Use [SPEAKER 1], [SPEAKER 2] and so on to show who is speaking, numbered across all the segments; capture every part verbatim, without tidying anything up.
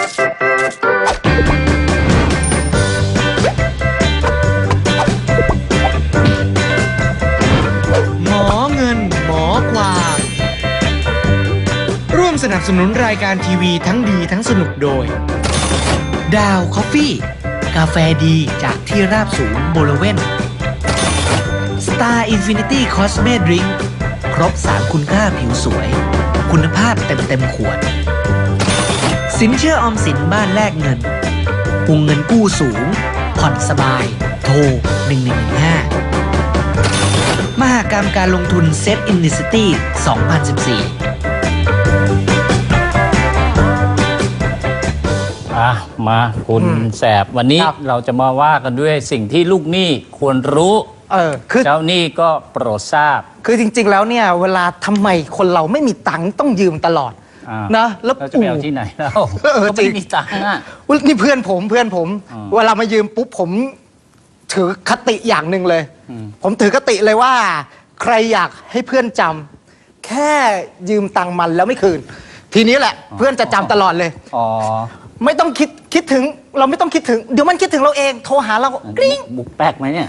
[SPEAKER 1] หมอเงินหมอความร่วมสนับสนุนรายการทีวีทั้งดีทั้งสนุกโดยดาวคอฟฟี่กาแฟดีจากที่ราบสูงบริเวณ Star Infinity Cosme Drink ครบสารคุณค่าผิวสวยคุณภาพเต็มเต็มขวดสินเชื่อออมสินบ้านแลกเงินวงเงินกู้สูงผ่อนสบายโทรหนึ่งหนึ่งหนึ่งห้ามหกรรมการลงทุนเซ็ตอินดิสตี้สองพันสิบสี่
[SPEAKER 2] อ่ะมาคุณแสบวันนี้เราจะมาว่ากันด้วยสิ่งที่ลูกหนี้ควรรู้
[SPEAKER 3] เออคือ
[SPEAKER 2] เจ้าหนี้ก็โปรดทราบ
[SPEAKER 3] คือจริงๆแล้วเนี่ยเวลาทำไมคนเราไม่มีตังค์ต้องยืมตลอดนะ
[SPEAKER 2] แล้วจะไปเอาที่ไหนแล้วก็ไม่มีตังค์อ่ะ
[SPEAKER 3] นี่เพื่อนผมเพื่อนผมเวลามายืมปุ๊บผมถือคติอย่างหนึ่งเลยผมถือคติเลยว่าใครอยากให้เพื่อนจำแค่ยืมตังค์มันแล้วไม่คืนทีนี้แหละเพื่อนจะจำตลอดเลยอ๋อไม่ต้องคิดคิดถึงเราไม่ต้องคิดถึงเดี๋ยวมันคิดถึงเราเองโทรหาเรากริ๊ง
[SPEAKER 2] บุกแป๊กไหมเนี่ย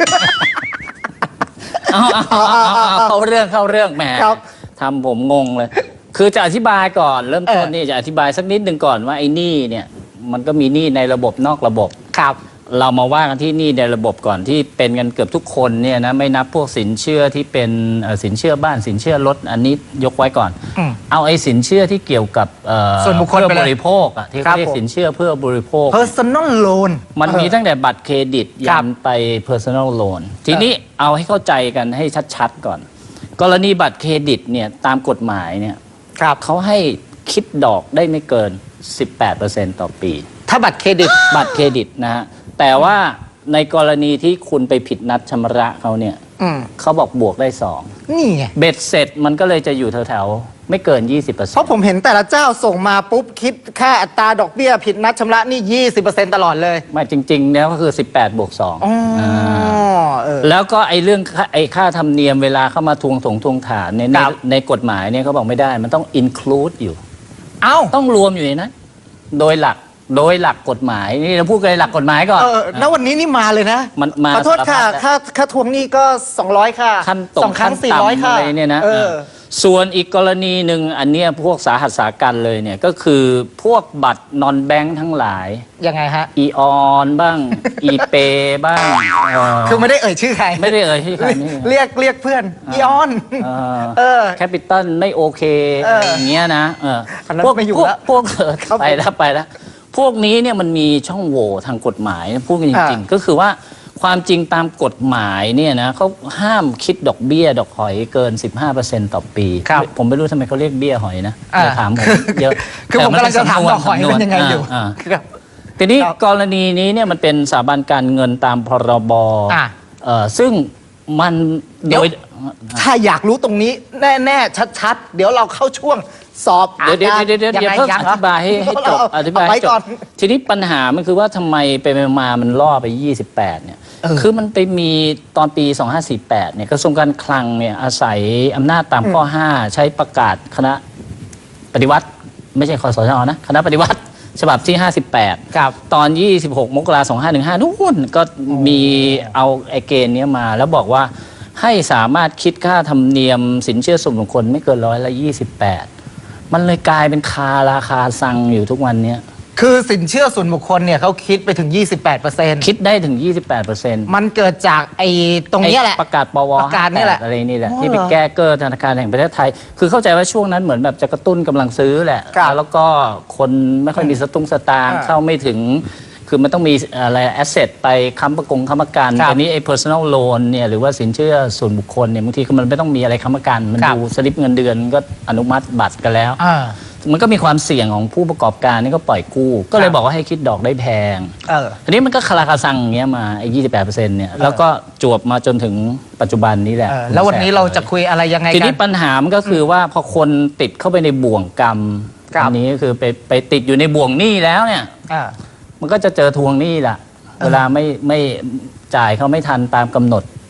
[SPEAKER 2] เข้าเรื่องเข้าเรื่องแหมทำผมงงเลยคือจะอธิบายก่อนเริ่มต้นนี่จะอธิบายสักนิดหนึ่งก่อนว่าไอ้หนี้เนี่ยมันก็มีหนี้ในระบบนอกระบบ
[SPEAKER 3] ครับ
[SPEAKER 2] เรามาว่ากันที่หนี้ในระบบก่อนที่เป็นกันเกือบทุกคนเนี่ยนะไม่นับพวกสินเชื่อที่เป็นสินเชื่อบ้านสินเชื่อรถอันนี้ยกไว้ก่อนเอาไอ้สินเชื่อที่เกี่ยวกับ
[SPEAKER 3] ส่วนบุคคล
[SPEAKER 2] เพื่อบริโภคอ่ะที่เขาเรียกสินเชื่อเพื่อบริโภค
[SPEAKER 3] personal loan
[SPEAKER 2] มันมีตั้งแต่บัตรเครดิตยันไป personal loan ทีนี้เอาให้เข้าใจกันให้ชัดๆก่อนกรณีบัตรเครดิตเนี่ยตามกฎหมายเนี่ยเขาให้คิดดอกได้ไม่เกิน สิบแปดเปอร์เซ็นต์ ต่อปี
[SPEAKER 3] ถ้าบัตรเครดิต
[SPEAKER 2] บัตรเครดิตนะฮะแต่ว่าในกรณีที่คุณไปผิดนัดชำระเขาเนี่ยเขาบอกบวกได้สอง
[SPEAKER 3] นี่ไง
[SPEAKER 2] เบ็ดเสร็จมันก็เลยจะอยู่แถวๆไม่เกิน ยี่สิบเปอร์เซ็นต์
[SPEAKER 3] เพราะผมเห็นแต่ละเจ้าส่งมาปุ๊บคิดค่าอัตราดอกเบี้ยผิดนัดชำระนี่ ยี่สิบเปอร์เซ็นต์ ตลอดเลย
[SPEAKER 2] ไม่จริงๆแล้วก็คือสิบแปดบวกสอง
[SPEAKER 3] อ๋อ
[SPEAKER 2] แล้วก็ไอ้เรื่องไอ้ค่าธรรมเนียมเวลาเข้ามาทวงถงทวงถามในในกฎหมายเนี่ยเขาบอกไม่ได้มันต้อง include อยู่
[SPEAKER 3] เอ้า
[SPEAKER 2] ต้องรวมอยู่ในนั้นโดยหลักโดยหลักกฎหมายนี่เราพูดกันหลักกฎหมายก่อน
[SPEAKER 3] เออแล้ววันนี้นี่มาเลยนะ
[SPEAKER 2] มันมา
[SPEAKER 3] ขอโทษค่ะค่าค่าทวงหนี้ก็สองร้อยค่ะ
[SPEAKER 2] ขั้นตก
[SPEAKER 3] สองครั้งสี่ร้อยค่ะ
[SPEAKER 2] อะไรเนี่ยนะส่วนอีกกรณีหนึ่งอันเนี้ยพวกสาหัสสากันเลยเนี่ยก็คือพวกบัตรนอนแบงค์ทั้งหลาย
[SPEAKER 3] ยังไงฮะ
[SPEAKER 2] อีออนบ้างอีเปบ้าง
[SPEAKER 3] คือไม่ได้เอ่ยชื่อใคร
[SPEAKER 2] ไม่ได้เอ่ยชื่อใคร
[SPEAKER 3] เรียกเรียกเพื่อนอีออน
[SPEAKER 2] เออแคปิตอลไม่โอเคอย่างเงี้ยนะเออพวกพวกพวกไปแล้วไปแล้วพวกนี้เนี่ยมันมีช่องโหว่ทางกฎหมายพูดกันจริงๆก็คือว่าความจริงตามกฎหมายเนี่ยนะเขาห้ามคิดดอกเบี้ยดอกหอยเกิน สิบห้าเปอร์เซ็นต์ ต่อปีผมไม่รู้ทำไมเขาเรียกเบี้ยหอยนะจะถามผมเยอะ
[SPEAKER 3] คือผมกำลังจะถามดอกหอยเป็นยังไงอยู่
[SPEAKER 2] ทีนี้กรณีนี้เนี่ยมันเป็นสถาบันการเงินตามพรบซึ่งมันโดย
[SPEAKER 3] ถ้าอยากรู้ตรงนี้แน่ๆชัดๆเดี๋ยวเราเข้าช่วงสอบ
[SPEAKER 2] เดี๋ยวเดี๋ยวเดี๋ยวเดี๋ยวเพิ่งอธิบายให้จบอธิบายให้จบทีนี้ปัญหามันคือว่าทำไมไปมามันล่อไปยี่สิบแปดเนี่ยคือมันไปมีตอนปีสองพันห้าร้อยสี่สิบแปดเนี่ยกระทรวงการคลังเนี่ยอาศัยอำนาจตามข้อห้าใช้ประกาศคณะปฏิวัติไม่ใช่คสชนะคณะปฏิวัติฉบับที่ห้าสิบแปดตอนยี่สิบหกมกราคมสองพันห้าร้อยสิบห้านู่นก็มีเอาไอเกณฑ์นี้มาแล้วบอกว่าให้สามารถคิดค่าธรรมเนียมสินเชื่อส่วนบุคคลไม่เกินร้อยละยี่สิบแปดมันเลยกลายเป็นคาราคาซังอยู่ทุกวันนี้
[SPEAKER 3] คือสินเชื่อส่วนบุคคลเนี่ยเขาคิดไปถึง ยี่สิบแปดเปอร์เซ็นต์
[SPEAKER 2] คิดได้ถึง ยี่สิบแปดเปอร์เซ็นต์
[SPEAKER 3] มันเกิดจากไอ้ตรงนี้แหละ
[SPEAKER 2] ประกาศปว
[SPEAKER 3] ประกาศนี่แหละ
[SPEAKER 2] อะไรนี่แหละที่ไปแก้เกินธนาคารแห่งประเทศไทยคือเข้าใจว่าช่วงนั้นเหมือนแบบจะกระตุ้นกำลังซื้อแหละแล้วก็คนไม่ค่อยมีสตุ้งสตางค์เข้าไม่ถึงคือมันต้องมีอะไรแอสเซทไปค้ำประกงค้ำประกันแต่นี้ไอ้ personal loan เนี่ยหรือว่าสินเชื่อส่วนบุคคลเนี่ยบางทีมันไม่ต้องมีอะไรค้ำประกันมันดูสลิปเงินเดือนก็อนุมัติบัตรกันแล้วมันก็มีความเสี่ยงของผู้ประกอบการนี่ก็ปล่อยกู้ก็เลยบอกว่าให้คิดดอกได้แพงทีนี้มันก็คาราคาซังอย่างเงี้ยมาไอ้ยี่สิบแปดเปอร์เซ็นต์เนี่ยแล้วก็จวบมาจนถึงปัจจุบันนี้แหละ
[SPEAKER 3] แล้ววันนี้เราจะคุยอะไรยังไงกัน
[SPEAKER 2] ทีนี้ปัญหามันก็คือว่าพอคนติดเข้าไปในบ่วงกรรมอันนี้ก็คือไปไปติดอยู่ในบ่วงหนี้แล้วเนี่ยมันก็จะเจอทวงหนี้แหละเวลาไม่ไม่จ่ายเขาไม่ทันตามกำหนด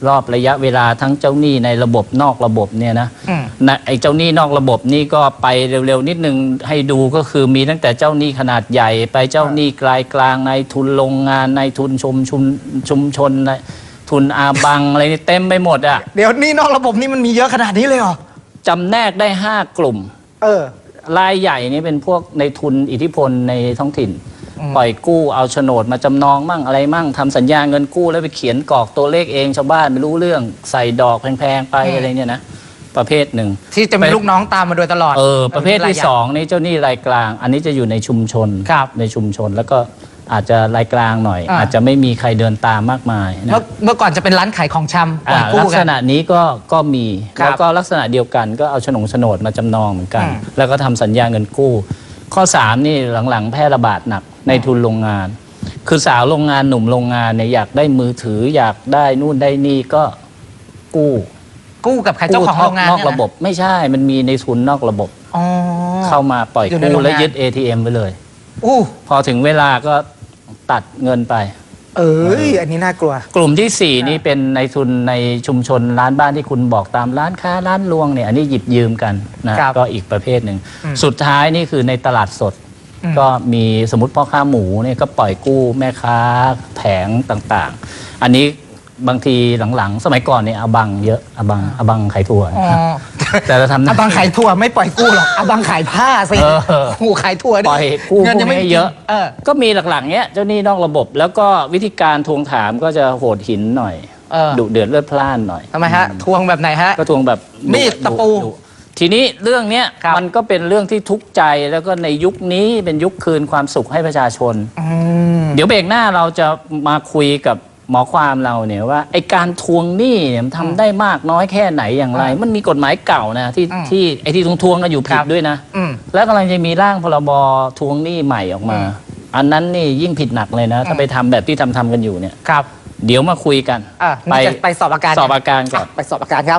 [SPEAKER 2] รอบระยะเวลาทั้งเจ้าหนี้ในระบบนอกระบบเนี่ยนะ
[SPEAKER 3] อืม
[SPEAKER 2] นะไอ้เจ้าหนี้นอกระบบนี่ก็ไปเร็วๆนิดนึงให้ดูก็คือมีตั้งแต่เจ้าหนี้ขนาดใหญ่ ไปเจ้าหนี้กลายกลางในทุนโรงงานในทุนชุมชุมชุมชนในทุนอาบังอะไรนี่เต็มไปหมดอ่ะ
[SPEAKER 3] เดี๋ยวนี่นอกระบบนี่มันมีเยอะขนาดนี้เลยเหรอ
[SPEAKER 2] จำแนกได้ห้ากลุ่ม
[SPEAKER 3] เออ
[SPEAKER 2] รายใหญ่นี่เป็นพวกในทุนอิทธิพลในท้องถิ่น
[SPEAKER 3] อืม
[SPEAKER 2] ปล่อยกู้เอาโฉนดมาจำนองมั่งอะไรมั่งทำสัญญาเงินกู้แล้วไปเขียนกรอกตัวเลขเองชาวบ้านไม่รู้เรื่องใส่ดอกแพงๆไปอะไรเนี่ยนะประเภทหนึ่ง
[SPEAKER 3] ที่จะมีลูกน้องตามมาโดยตลอด
[SPEAKER 2] เออประเภทที่สองนี่เจ้าหนี้รายกลาง อันนี้จะอยู่ในชุมชน
[SPEAKER 3] ครับ
[SPEAKER 2] ในชุมชนแล้วก็อาจจะรายกลางหน่อย
[SPEAKER 3] อ่า
[SPEAKER 2] อาจจะไม่มีใครเดินตามมากมายนะ
[SPEAKER 3] เมื่อเมื่อก่อนจะเป็นร้านขายของชำปล่
[SPEAKER 2] อ่า
[SPEAKER 3] อยกู้
[SPEAKER 2] ลัก
[SPEAKER 3] กั
[SPEAKER 2] ษ
[SPEAKER 3] น
[SPEAKER 2] ณะนี้ก็ก็มี
[SPEAKER 3] ครับ
[SPEAKER 2] แล้วก็ลักษณะเดียวกันก็เอาโฉนงโฉนดมาจำนองเหมือนกัน
[SPEAKER 3] อืม
[SPEAKER 2] แล้วก็ทำสัญญาเงินกู้ ข้อสามนี่หลังๆ แพร่ระบาดหนักในทุนโรงงาน คือสาวโรงงานหนุ่มโรงงานเนี่ยอยากได้มือถืออยากได้นู่นได้นี่ก็กู้
[SPEAKER 3] กู้กับใครเจ้าของโรงงาน
[SPEAKER 2] นอก
[SPEAKER 3] เนี่ยน
[SPEAKER 2] ระบบไม่ใช่มันมีในทุนนอกระบบ
[SPEAKER 3] อ๋อ
[SPEAKER 2] เข้ามาปล่อย
[SPEAKER 3] อยู่ในโร
[SPEAKER 2] กู้
[SPEAKER 3] งงาน
[SPEAKER 2] และยึด เอ ที เอ็ม ไปเลย
[SPEAKER 3] อู้
[SPEAKER 2] พอถึงเวลาก็ตัดเงินไป
[SPEAKER 3] เอ้ยอันนี้น่ากลัว
[SPEAKER 2] กลุ่มที่สี่นี่เป็นในทุนในชุมชนร้านบ้านที่คุณบอกตามร้านค้าร้านรวงเนี่ยอันนี้หยิบยืมกันนะครับ ก็อีกประเภทหนึ่ง
[SPEAKER 3] อืม
[SPEAKER 2] สุดท้ายนี่คือในตลาดสด
[SPEAKER 3] อืม
[SPEAKER 2] ก็มีสมมติพ่อค้าหมูเนี่ยก็ปล่อยกู้แม่ค้าแผงต่างๆ อันนี้บางทีหลังๆ สมัยก่อนเนี่ยอบังเยอะอบังอบังขายถั่ว
[SPEAKER 3] อ๋อ
[SPEAKER 2] แต่เราทำ
[SPEAKER 3] อาบังขายถั่วไม่ปล่อยกู้หรอกอาบังขายผ้าสิ
[SPEAKER 2] เออ
[SPEAKER 3] โอ้ขายถั่วนี่
[SPEAKER 2] ปล่อยกู้
[SPEAKER 3] เงิน
[SPEAKER 2] พว
[SPEAKER 3] ยัง
[SPEAKER 2] ก
[SPEAKER 3] ไม่
[SPEAKER 2] นี้เยอะ
[SPEAKER 3] เออ
[SPEAKER 2] ก็มีหลักๆเนี้ยเจ้าหนี้นอกระบบ แล้วก็วิธีการทวงถามก็จะโหดหินหน่อย
[SPEAKER 3] เออ
[SPEAKER 2] ดุเดือดเลือดพล่านหน่อย
[SPEAKER 3] ทำไมฮะ ทวงแบบไหนฮะ
[SPEAKER 2] ก็ทวงแบบ
[SPEAKER 3] มีด
[SPEAKER 2] ดุ
[SPEAKER 3] ตะปู
[SPEAKER 2] ดุทีนี้เรื่องเนี้ย
[SPEAKER 3] ครับ
[SPEAKER 2] มันก็เป็นเรื่องที่ทุกข์ใจแล้วก็ในยุคนี้เป็นยุคคืนความสุขให้ประชาชน
[SPEAKER 3] อืม
[SPEAKER 2] เดี๋ยวเบรกหน้าเราจะมาคุยกับหมอความเราเนี่ยว่าไอการทวงหนี้เนี่ยมันทำได้มากน้อยแค่ไหนอย่างไร มันมีกฎหมายเก่านะที่
[SPEAKER 3] อืม
[SPEAKER 2] ที่ไอที่ทวงทวงๆกันอยู่ผิ
[SPEAKER 3] ครั
[SPEAKER 2] ด
[SPEAKER 3] บ
[SPEAKER 2] ด้วยนะ
[SPEAKER 3] อืม
[SPEAKER 2] แล้วกำลังจะมีร่างพรบทวงหนี้ใหม่ออกมา
[SPEAKER 3] อืม
[SPEAKER 2] อันนั้นนี่ยิ่งผิดหนักเลยนะ ถ้า
[SPEAKER 3] อืม
[SPEAKER 2] ไปทำแบบที่ทำทำกันอยู่เนี่ย
[SPEAKER 3] ครับ
[SPEAKER 2] เดี๋ยวมาคุยกัน
[SPEAKER 3] อ่ะ
[SPEAKER 2] ไป
[SPEAKER 3] นี่จะไปสอบอาการ
[SPEAKER 2] สอบอาการก่อน
[SPEAKER 3] ไปสอบอาการครับ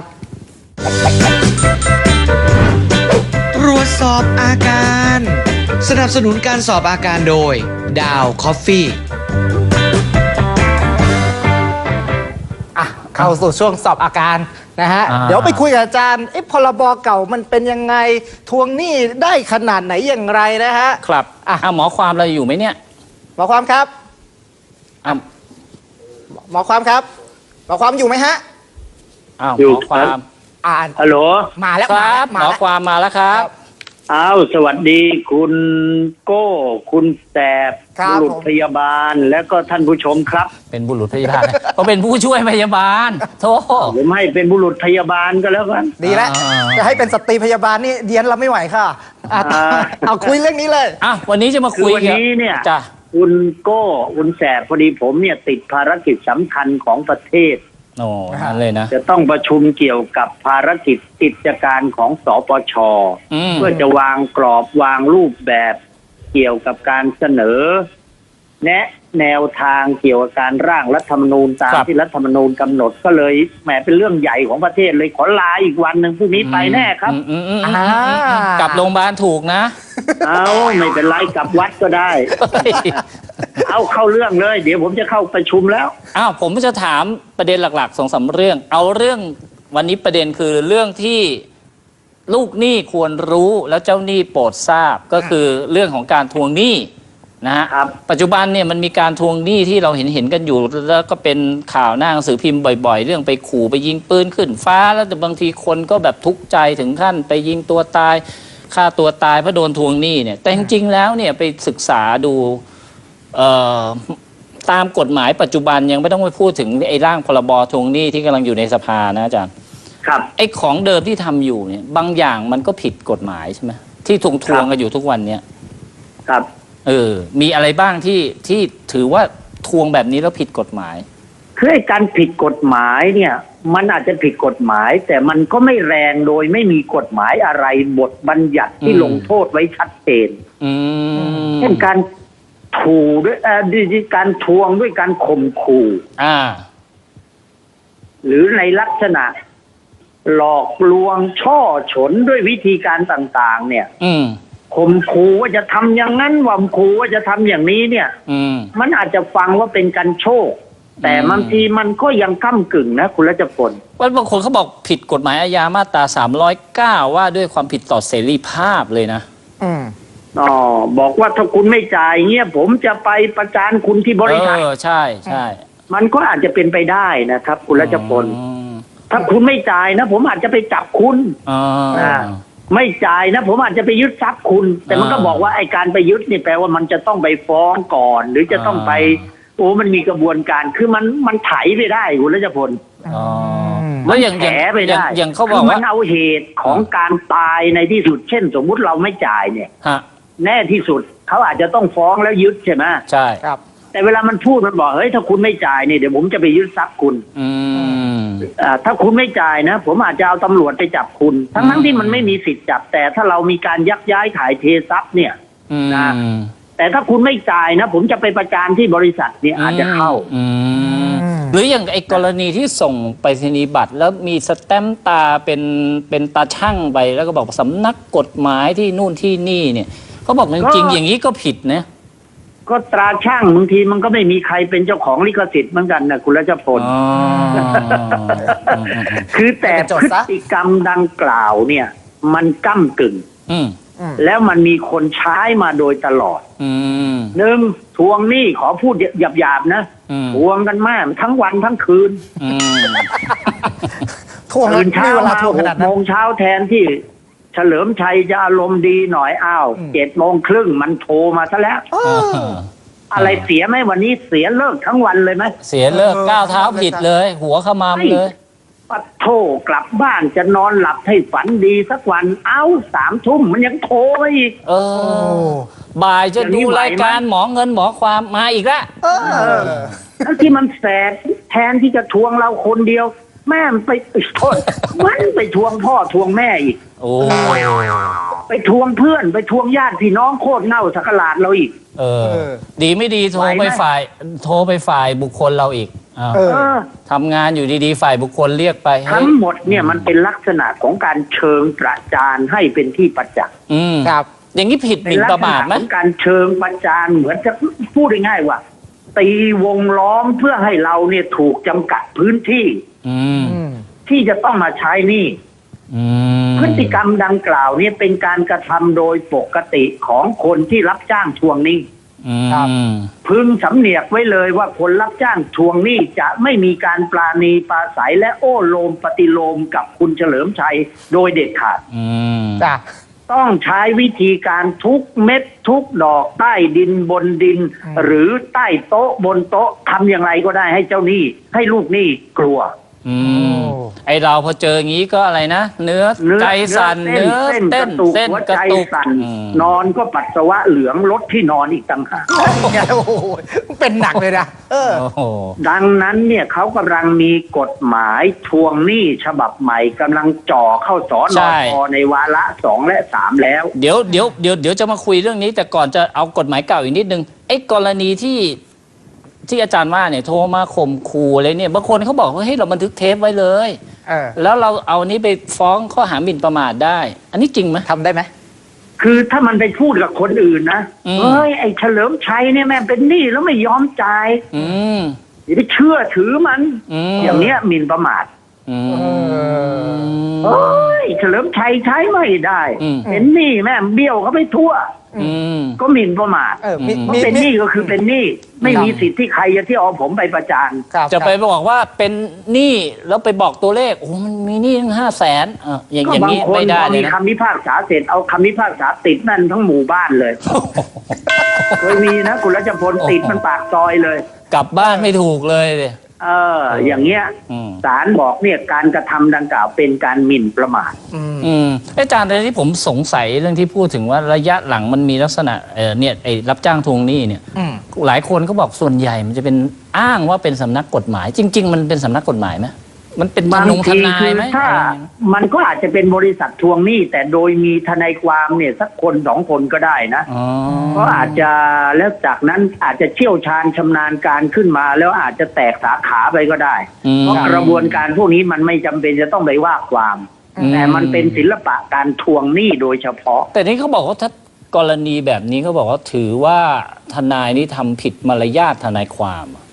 [SPEAKER 1] ตรวจสอบอาการ สนับสนุนการสอบอาการโดยดาวคอฟฟี่
[SPEAKER 3] อ่ะเข้าสู่ช่วงสอบอาการนะฮะ
[SPEAKER 2] อ่า
[SPEAKER 3] เดี๋ยวไปคุยกับอาจารย์เอ๊ะพรบเก่ามันเป็นยังไง ทวงหนี้ได้ขนาดไหนอย่างไรนะฮะ
[SPEAKER 2] ครับ
[SPEAKER 3] อ่ะ
[SPEAKER 2] อ่ะหมอความเราอยู่ไหมเนี่ย
[SPEAKER 3] หมอความครับ
[SPEAKER 2] อ่ะ
[SPEAKER 3] หมอความครับ หมอความอยู่ไหมฮะ
[SPEAKER 2] อ้าว
[SPEAKER 4] อยู่
[SPEAKER 2] หมอความ
[SPEAKER 3] อ่าน
[SPEAKER 4] ฮัลโหล
[SPEAKER 3] มาแล้ว
[SPEAKER 2] ครับหม
[SPEAKER 3] มา
[SPEAKER 2] อ
[SPEAKER 3] แล้ว
[SPEAKER 2] ความมาแล้วครับ
[SPEAKER 4] อ้าวสวัสดีคุณโก้ คุณแสบ
[SPEAKER 3] ครับ
[SPEAKER 4] บุรุษ
[SPEAKER 3] ผม
[SPEAKER 4] พยาบาล และก็ท่านผู้ชมครับ
[SPEAKER 2] เป็นบุรุษพยาบาล เขาเป็นผู้ช่วยพยาบาลโธ่
[SPEAKER 4] ผมให้เป็นบุรุษพยาบาลก็แล้วกัน
[SPEAKER 3] ดีแล้ว
[SPEAKER 2] อ่า
[SPEAKER 3] จะให้เป็นสตรีพยาบาลนี่เดียนเราไม่ไหวค่ะอ่ะ
[SPEAKER 4] อ่า
[SPEAKER 3] เอาคุยเรื่องนี้เลย
[SPEAKER 2] อ่ะวันนี้จะมา
[SPEAKER 4] คือ
[SPEAKER 2] คุย
[SPEAKER 4] วัน
[SPEAKER 2] กับ
[SPEAKER 4] นี้เนี่ย
[SPEAKER 2] จ้ะ
[SPEAKER 4] คุณโก้ คุณแสบพอดีผมเนี่ยติดภารกิจสำคัญของประเทศ
[SPEAKER 2] โอ้นั่นเลยนะ
[SPEAKER 4] จะต้องประชุมเกี่ยวกับภารกิจกิจการของสปช
[SPEAKER 2] อืม
[SPEAKER 4] เพื่อจะวางกรอบวางรูปแบบเกี่ยวกับการเสนอ แนะแนวทางเกี่ยวกับการร่างรัฐธรรมนูญตามที่รัฐธรรมนูญกำหนดก็เลยแหมเป็นเรื่องใหญ่ของประเทศเลยขอลาอีกวันหนึ่งพรุ่งนี้ไปแน่ครับ
[SPEAKER 2] อืมอืมอืมอืม
[SPEAKER 3] อ่า
[SPEAKER 2] กลับโรงพยาบาลถูกนะ
[SPEAKER 4] เอาไม่เป็นไรกลับวัดก็ได้ เอาเข้าเรื่องเลย เดี๋ยวผมจะเข้าประชุมแล้ว
[SPEAKER 2] อ้าวผมจะถามประเด็นหลักๆสองสามเรื่อง เอาเรื่องวันนี้ประเด็นคือเรื่องที่ลูกหนี้ควรรู้แล้วเจ้าหนี้โปรดทราบก็คือเรื่องของการทวงหนี้นะฮะ
[SPEAKER 4] ครับ
[SPEAKER 2] ปัจจุบันเนี่ยมันมีการทวงหนี้ที่เราเห็นเห็นกันอยู่ แล้วก็เป็นข่าวหน้าหนังสือพิมพ์บ่อยๆ เรื่องไปขู่ไปยิงปืนขึ้นฟ้าแล้วแต่บางทีคนก็แบบทุกข์ใจถึงขั้นไปยิงตัวตายฆ่าตัวตายเพราะโดนทวงหนี้เนี่ยแต่จริงๆแล้วเนี่ยไปศึกษาดูเอ่อตามกฎหมายปัจจุบันยังไม่ต้องไปพูดถึงไอ้ร่างพรบทวงหนี้ที่กำลังอยู่ในสภานะอาจารย์
[SPEAKER 4] ครับ
[SPEAKER 2] ไอ้ของเดิมที่ทำอยู่เนี่ยบางอย่างมันก็ผิดกฎหมายใช่ไหมที่ทวงทวงกันอยู่ทุกวันเนี่ย
[SPEAKER 4] ครับ
[SPEAKER 2] เออมีอะไรบ้างที่ที่ถือว่าทวงแบบนี้แล้วผิดกฎหมาย
[SPEAKER 4] คือไอ้การผิดกฎหมายเนี่ย มันอาจจะผิดกฎหมาย แต่มันก็ไม่แรงโดยไม่มีกฎหมายอะไรบทบัญญัติที่
[SPEAKER 2] อืม
[SPEAKER 4] ลงโทษไว้ชัดเจน
[SPEAKER 2] อืม
[SPEAKER 4] เช่นการถูด้วยเอ่อการทวงด้วยการข่มขู่
[SPEAKER 2] อ่า
[SPEAKER 4] หรือในลักษณะ หลอกลวงช่อฉนด้วยวิธีการต่างๆ เนี่ย
[SPEAKER 2] อืม
[SPEAKER 4] ข่มขู่ว่าจะทำอย่างนั้นว่าขู่ว่าจะทำอย่างนี้เนี่ย
[SPEAKER 2] อืม
[SPEAKER 4] มันอาจจะฟังว่าเป็นการโชคแต่บางทีมันก็ยังก้ำกึ่งนะคุณรัชพล
[SPEAKER 2] ว่าบางคนเขาบอกผิดกฎหมายอาญามาตราสามร้อยเก้าว่าด้วยความผิดต่อเสรีภาพเลยนะ
[SPEAKER 3] อืม
[SPEAKER 4] อ๋อบอกว่าถ้าคุณไม่จ่ายเงี้ยผมจะไปประจานคุณที่บริษัท
[SPEAKER 2] เออใช่ใช่
[SPEAKER 4] มันก็อาจจะเป็นไปได้นะครับ คุณรัชพล
[SPEAKER 2] อืม
[SPEAKER 4] ถ้าคุณไม่จ่ายนะ ผมอาจจะไปจับคุณ
[SPEAKER 2] อ๋อ
[SPEAKER 4] อ่าไม่จ่ายนะ ผมอาจจะไปยึดทรัพย์คุณ แต่มันก็
[SPEAKER 2] อ่า
[SPEAKER 4] บอกว่าไอ้การไปยึดนี่แปลว่ามันจะต้องไปฟ้องก่อน หรือจะต้องไป
[SPEAKER 2] อ่า
[SPEAKER 4] โอ้มันมีกระบวนการคือมันมันไถไปได้คุณรัชพล
[SPEAKER 2] อ๋อแล้วอย่าง
[SPEAKER 4] แถ
[SPEAKER 2] อย่าง
[SPEAKER 4] ไป
[SPEAKER 2] อย่าง
[SPEAKER 4] ได้
[SPEAKER 2] อย่างเขาบ
[SPEAKER 4] คือ
[SPEAKER 2] อก
[SPEAKER 4] มั
[SPEAKER 2] ว่า
[SPEAKER 4] นเอาเหตุของการตายในที่สุด เช่น สมมุติเราไม่จ่ายเนี่ย
[SPEAKER 2] ฮะ
[SPEAKER 4] แน่ที่สุดเขาอาจจะต้องฟ้องแล้วยึดใช่ไหม
[SPEAKER 2] ใช่
[SPEAKER 3] ครับ
[SPEAKER 4] แต่เวลามันพูดมันบอกเฮ้ยถ้าคุณไม่จ่ายเนี่ยเดี๋ยวผมจะไปยึดทรัพย์คุณ
[SPEAKER 2] อืม
[SPEAKER 4] อ่าถ้าคุณไม่จ่ายนะ ผมอาจจะเอาตำรวจไปจับคุณ ทั้งทั้งที่มันไม่มีสิทธิ์จับ แต่ถ้าเรามีการยักย้ายถ่ายเททรัพย์เนี่ย
[SPEAKER 2] อืม
[SPEAKER 4] นะ แต่ถ้าคุณไม่จ่ายนะ ผมจะไปประจานที่บริษัทเนี่ยอาจจะเข้า
[SPEAKER 2] อืมหรืออย่างไอ้กรณีที่ส่งไปรษณียบัตรแล้วมีสแตมป์ตาเป็นเป็นตาช่างไปแล้วก็บอกสำนักกฎหมายที่นู่นที่นี่เนี่ยเขาบอกจริงๆอย่างนี้ก็ผิดนะ
[SPEAKER 4] ก็ตราช่างบางทีมันก็ไม่มีใครเป็นเจ้าของลิขสิทธิ์เหมือนกันนะคุณรัชพล
[SPEAKER 2] อ๋อ
[SPEAKER 4] คือแต่
[SPEAKER 3] เป็นโจท
[SPEAKER 4] พฤ
[SPEAKER 3] ย์ซะ
[SPEAKER 4] ติกรรมดังกล่าวเนี่ย มันก้ำกึ่ง
[SPEAKER 2] อืม
[SPEAKER 3] อืม
[SPEAKER 4] แล้วมันมีคนใช้มาโดยตลอด
[SPEAKER 2] อืม
[SPEAKER 4] หนึ่งทวงหนี้ขอพูดหยาบๆนะ
[SPEAKER 2] อืม
[SPEAKER 4] ทวงกันมากทั้งวันทั้งคืน
[SPEAKER 2] อืม
[SPEAKER 3] ทวง
[SPEAKER 4] ตื่น
[SPEAKER 3] มี
[SPEAKER 4] เช้า
[SPEAKER 3] เวลา
[SPEAKER 4] มา
[SPEAKER 3] ทวง
[SPEAKER 4] ห
[SPEAKER 3] ขนาก ด
[SPEAKER 4] โม
[SPEAKER 3] นั้น
[SPEAKER 4] งเช้าแทนที่เฉลิมชัยจะอารมณ์ดีหน่อยอ้าว
[SPEAKER 3] อืม
[SPEAKER 4] เจ็ดโมงครึ่งมันโทรมาซะแล้ว
[SPEAKER 3] เออ
[SPEAKER 4] อะไรเสียไหมวันนี้เสียเลิกทั้งวันเลยไหม
[SPEAKER 2] เสียเลิก
[SPEAKER 3] เออ
[SPEAKER 2] ก้าวเท้าผิดเลย หัวขมามเลย
[SPEAKER 4] ปัดโทรกลับบ้านจะนอนหลับให้ฝันดีสักวันเอ้าสามทุ่มมันยังโทรมาอีก
[SPEAKER 2] เอ
[SPEAKER 3] โอ้
[SPEAKER 2] อ บ่ายจะ
[SPEAKER 4] อย่างนี้
[SPEAKER 2] ดู
[SPEAKER 4] ไหวไหม
[SPEAKER 2] รายการหมอเงินหมอความมาอีกแล้ว
[SPEAKER 3] เออ
[SPEAKER 4] ทั้งที่มันแสบแทนที่จะทวงเราคนเดียว แม่มันไปเอ้ยโทษมันไปทวงพ่อทวงแม่อีก
[SPEAKER 2] โอ้
[SPEAKER 4] ไปทวงเพื่อนไปทวงญาติพี่น้องโคตรเน่าสักหลาดเราอีก
[SPEAKER 2] เออ
[SPEAKER 3] เออ
[SPEAKER 2] ดีไม่ดีโทร
[SPEAKER 4] ไหวไหม
[SPEAKER 2] ไปฝ่าย โทรไปฝ่ายบุคคลเราอีกอ้าว
[SPEAKER 3] เออ
[SPEAKER 4] เออ
[SPEAKER 2] ทำงานอยู่ดีๆ ฝ่ายบุคคลเรียกไปเฮ้
[SPEAKER 4] ทั้
[SPEAKER 2] ย
[SPEAKER 4] งหมดเนี่ยมันเป็นลักษณะของการเชิงประจานให้เป็นที่ประจักษ์
[SPEAKER 2] อืม
[SPEAKER 3] ครับ
[SPEAKER 2] อย่างนี้ผิดห
[SPEAKER 4] เป็
[SPEAKER 2] มิ่
[SPEAKER 4] น
[SPEAKER 2] น
[SPEAKER 4] ลั
[SPEAKER 2] ประ
[SPEAKER 4] ษ
[SPEAKER 2] มา
[SPEAKER 4] ณะ
[SPEAKER 2] ทไหม
[SPEAKER 4] ของการเชิงประจานเหมือนจะพูดง่ายๆว่า ตีวงล้อมเพื่อให้เราเนี่ยถูกจำกัดพื้นที่
[SPEAKER 2] อืม
[SPEAKER 3] อืม
[SPEAKER 4] ที่จะต้องมาใช้หนี่
[SPEAKER 2] อืม
[SPEAKER 4] พฤติกรรมดังกล่าวเนี่ยเป็นการกระทำโดยปกติของคนที่รับจ้างทวงหนี้
[SPEAKER 2] อืม
[SPEAKER 3] ครับ
[SPEAKER 4] พึงสำเนียกไว้เลยว่าคนรับจ้างทวงหนี้จะไม่มีการปราณีปราศัยและโอ้โลมปฏิโลมกับคุณเฉลิมชัยโดยเด็ดขาด
[SPEAKER 2] อืม
[SPEAKER 3] จ้ะ
[SPEAKER 4] ต้องใช้วิธีการทุกเม็ดทุกดอกใต้ดินบนดิน
[SPEAKER 3] อืม
[SPEAKER 4] หรือใต้โต๊ะบนโต๊ะทำอย่างไรก็ได้ให้เจ้าหนี้ให้ลูกหนี้กลัว
[SPEAKER 2] อืม ไอเราพอเจออย่างนี้ก็อะไรนะ เนื้อ
[SPEAKER 4] เนื้อ
[SPEAKER 2] ใจสั่น
[SPEAKER 4] เนื้
[SPEAKER 2] เนื้
[SPEAKER 4] อ
[SPEAKER 2] อ
[SPEAKER 4] เส้น
[SPEAKER 2] เต้
[SPEAKER 4] ก
[SPEAKER 2] น
[SPEAKER 4] ระตุก
[SPEAKER 2] เส้น
[SPEAKER 4] หัว
[SPEAKER 2] กระ
[SPEAKER 4] ใจ
[SPEAKER 2] ตุก
[SPEAKER 4] สั่น
[SPEAKER 2] อืม
[SPEAKER 4] นอนก็ปัสสาวะเหลืองลดที่นอนอีกต่างหาก
[SPEAKER 3] เนี่ยโอ้โหเป็นหนักเลยนะ เออ
[SPEAKER 2] โอ้โห
[SPEAKER 4] ดังนั้นเนี่ยเขากำลังมีกฎหมายทวงหนี้ฉบับใหม่กำลังจ่อเข้าสอนอพในวาระสองและสามแล้ว
[SPEAKER 2] เดี๋ยวเดี๋ยวเดี๋ยวเดี๋ยวจะมาคุยเรื่องนี้ แต่ก่อนจะเอากฎหมายเก่าอีกนิดนึงไอ้กรณีที่ที่อาจารย์ว่าเนี่ยโทรมาข่มขู่อะไรเนี่ยบางคนเขาบอกว่าเฮ้ยเราบันทึกเทปไว้เลย
[SPEAKER 3] เออ
[SPEAKER 2] แล้วเราเอานี้ไปฟ้องข้อหาหมิ่นประมาทได้ อันนี้จริงไหม
[SPEAKER 3] ทำได้ไหม
[SPEAKER 4] คือถ้ามันไปพูดกับคนอื่นนะ
[SPEAKER 2] อืม
[SPEAKER 4] เฮ้ยไอ้เฉลิมชัยเนี่ยแม่งเป็นหนี้แล้วไม่ยอมจ่าย
[SPEAKER 2] อืม
[SPEAKER 4] อย่าไปเชื่อถือมัน
[SPEAKER 2] อืม
[SPEAKER 4] อย่างเนี้ยหมิ่นประมาท
[SPEAKER 2] อืม
[SPEAKER 4] เฮ้ยเฉลิมชัยใช้ไม่ได้
[SPEAKER 2] อืม
[SPEAKER 4] เป็นหนี้แม่งเบี้ยวเขาไปทั่ว
[SPEAKER 2] อืม
[SPEAKER 4] ก็หมิ่นประมาท
[SPEAKER 3] เออ มี
[SPEAKER 2] อืม
[SPEAKER 4] เพราะ
[SPEAKER 3] มี
[SPEAKER 4] เป็นห
[SPEAKER 3] มี
[SPEAKER 4] นี้ก็คือเป็นหนี้ไม่มีสิทธิ์ที่ใครจะที่เอาผมไปประจาน
[SPEAKER 3] ครับ
[SPEAKER 2] จะไปบอกว่าเป็นหนี้แล้วไปบอกตัวเลข โอ้มันมีหนี้ตั้งห้าแสนอ่ะอย่าง
[SPEAKER 4] ก็
[SPEAKER 2] อย่าง
[SPEAKER 4] บาง
[SPEAKER 2] นี้
[SPEAKER 4] คน
[SPEAKER 2] ไม่ได้
[SPEAKER 4] พอ
[SPEAKER 2] เลย
[SPEAKER 4] มี
[SPEAKER 2] นะ
[SPEAKER 4] คำพิพากษาเสร็จเอาคำพิพากษาติดนั่นทั้งหมู่บ้านเลย เคยมีนะคุณรัชพลติดมันปากซอยเลย
[SPEAKER 2] กลับบ้านไม่ถูกเลยเลย
[SPEAKER 4] เออ อย่างเงี้ย
[SPEAKER 2] อืม
[SPEAKER 4] ศาลบอกเนี่ยการกระทำดังกล่าวเป็นการหมิ่นประมาท
[SPEAKER 3] อืม
[SPEAKER 2] อืมอาจารย์แต่ที่ผมสงสัยเรื่องที่พูดถึงว่าระยะหลังมันมีลักษณะเออเนี่ยไอ้รับจ้างทวงหนี้เนี่ย
[SPEAKER 3] อืม
[SPEAKER 2] หลายคนก็บอกส่วนใหญ่มันจะเป็นอ้างว่าเป็นสำนักกฎหมาย จริง ๆ มันเป็นสำนักกฎหมายไหมมันเป็นท
[SPEAKER 4] บาง
[SPEAKER 2] นงท
[SPEAKER 4] ที
[SPEAKER 2] นาย
[SPEAKER 4] คือ
[SPEAKER 2] ไหม
[SPEAKER 4] ถ้า
[SPEAKER 2] อะไรอย่างเงี้ย
[SPEAKER 4] มันก็อาจจะเป็นบริษัททวงหนี้แต่โดยมีทนายความเนี่ยสักคนสองคนก็ได้นะ
[SPEAKER 2] อ๋อ
[SPEAKER 4] ก็อาจจะแล้วจากนั้นอาจจะเชี่ยวชาญชำนาญการขึ้นมา แล้วอาจจะแตกสาขาไปก็ได้
[SPEAKER 2] อืม
[SPEAKER 4] เพราะกระบวนการพวกนี้มันไม่จำเป็นจะต้องไปว่าความ
[SPEAKER 2] อืม
[SPEAKER 4] แต่มันเป็นศิลปะการทวงหนี้โดยเฉพาะ
[SPEAKER 2] แต่นี่เขาบอกว่าถ้ากรณีแบบนี้เขาบอกว่าถือว่าทนายนี่ทำผิดมารยาททนายความอะ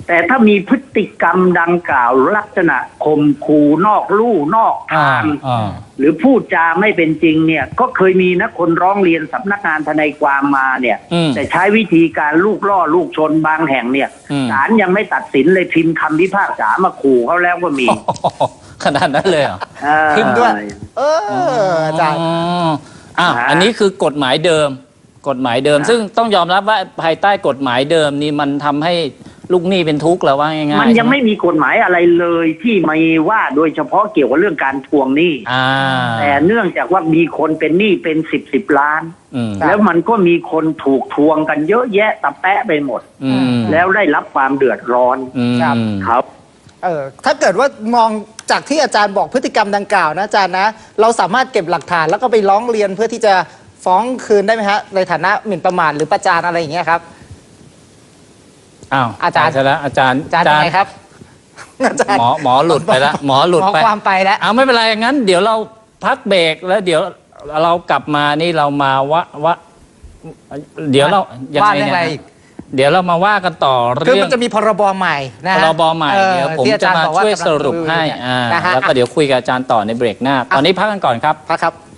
[SPEAKER 4] แต่ถ้ามีพฤติกรรมดังกล่าวลักษณะข่มขู่นอกลู่นอก
[SPEAKER 2] อ่า
[SPEAKER 4] ทาง
[SPEAKER 2] อ่า
[SPEAKER 4] หรือพูดจาไม่เป็นจริงเนี่ยก็เคยมีนะคนร้องเรียนสำนักงานทนายความมาเนี่ย
[SPEAKER 2] อืม
[SPEAKER 4] แต่ใช้วิธีการลูกล่อลูกชนบางแห่งเนี่ย
[SPEAKER 2] อืม
[SPEAKER 4] ศาลยังไม่ตัดสินเลยพิมพ์คำพิพากษามาขู่เขาแล้วก็มี
[SPEAKER 2] ขนาดนั้นเลยเหรอ
[SPEAKER 4] เออ
[SPEAKER 3] พิมพ์ด้วย เอออาจารย์
[SPEAKER 2] อ๋ออ่ะ
[SPEAKER 4] ฮะ
[SPEAKER 2] อันนี้คือกฎหมายเดิม กฎหมายเดิม ซึ่งต้องยอมรับว่าภายใต้กฎหมายเดิมนี่มันทำให้ลูกหนี้เป็นทุกข์แล้วว่าง่ายๆ
[SPEAKER 4] มันยังไม่
[SPEAKER 2] ใช่ห
[SPEAKER 4] มีกฎหมายอะไรเลยที่มีว่าโดยเฉพาะเกี่ยวกับเรื่องการทวงหนี้
[SPEAKER 2] อ่า
[SPEAKER 4] แต่เนื่องจากว่ามีคนเป็นหนี้เป็นสิบสิบล้าน
[SPEAKER 2] อืม
[SPEAKER 4] แล้วมันก็มีคนถูกทวงกันเยอะแยะตะแปะไปหมด
[SPEAKER 2] อืม
[SPEAKER 4] แล้วได้รับความเดือดร้อน
[SPEAKER 2] อืม
[SPEAKER 3] ครับ
[SPEAKER 4] ครับ
[SPEAKER 3] เออถ้าเกิดว่ามองจากที่อาจารย์บอกพฤติกรรมดังกล่าวนะอาจารย์นะ เราสามารถเก็บหลักฐานแล้วก็ไปร้องเรียนเพื่อที่จะฟ้องคืนได้ไหมฮะในฐานะหมิ่นประมาทหรือประจานอะไรอย่างเงี้ยครับ
[SPEAKER 2] อ้าว
[SPEAKER 3] อาจารย์
[SPEAKER 2] ไปซะแล้วอาจารย์
[SPEAKER 3] อาจารย์ยังไงครับอาจารย์
[SPEAKER 2] หมอหมอหลุดไปแล้วหมอหลุด
[SPEAKER 3] หมอ
[SPEAKER 2] ไป
[SPEAKER 3] ความไปแล้ว
[SPEAKER 2] เอาไม่เป็นไรงั้น เดี๋ยวเราพักเบรกแล้วเดี๋ยวเรากลับมานี่เรามาวะวะเดี๋ยวเรายัง
[SPEAKER 3] ว่า
[SPEAKER 2] ไง
[SPEAKER 3] เรื่อง
[SPEAKER 2] เนี่ย
[SPEAKER 3] อะไร
[SPEAKER 2] นะเดี๋ยวเรามาว่ากันต่อ
[SPEAKER 3] คือ
[SPEAKER 2] เรื่อ
[SPEAKER 3] มั
[SPEAKER 2] ง
[SPEAKER 3] นจะมีพรบใหม่นะ
[SPEAKER 2] พ
[SPEAKER 3] ฮะ
[SPEAKER 2] รบใหม่
[SPEAKER 3] ออ
[SPEAKER 2] เดี๋ยวผม
[SPEAKER 3] ที่อ
[SPEAKER 2] จะ
[SPEAKER 3] ร
[SPEAKER 2] มา
[SPEAKER 3] บอก
[SPEAKER 2] ช่วย
[SPEAKER 3] กำลัง
[SPEAKER 2] สรุปให้อ่า
[SPEAKER 3] นะฮะ
[SPEAKER 2] แล้วก็เดี๋ยวคุยกับอาจารย์ต่อในเบรกหน้า ตอนนี้พักกันก่อนครับ
[SPEAKER 3] พักครับ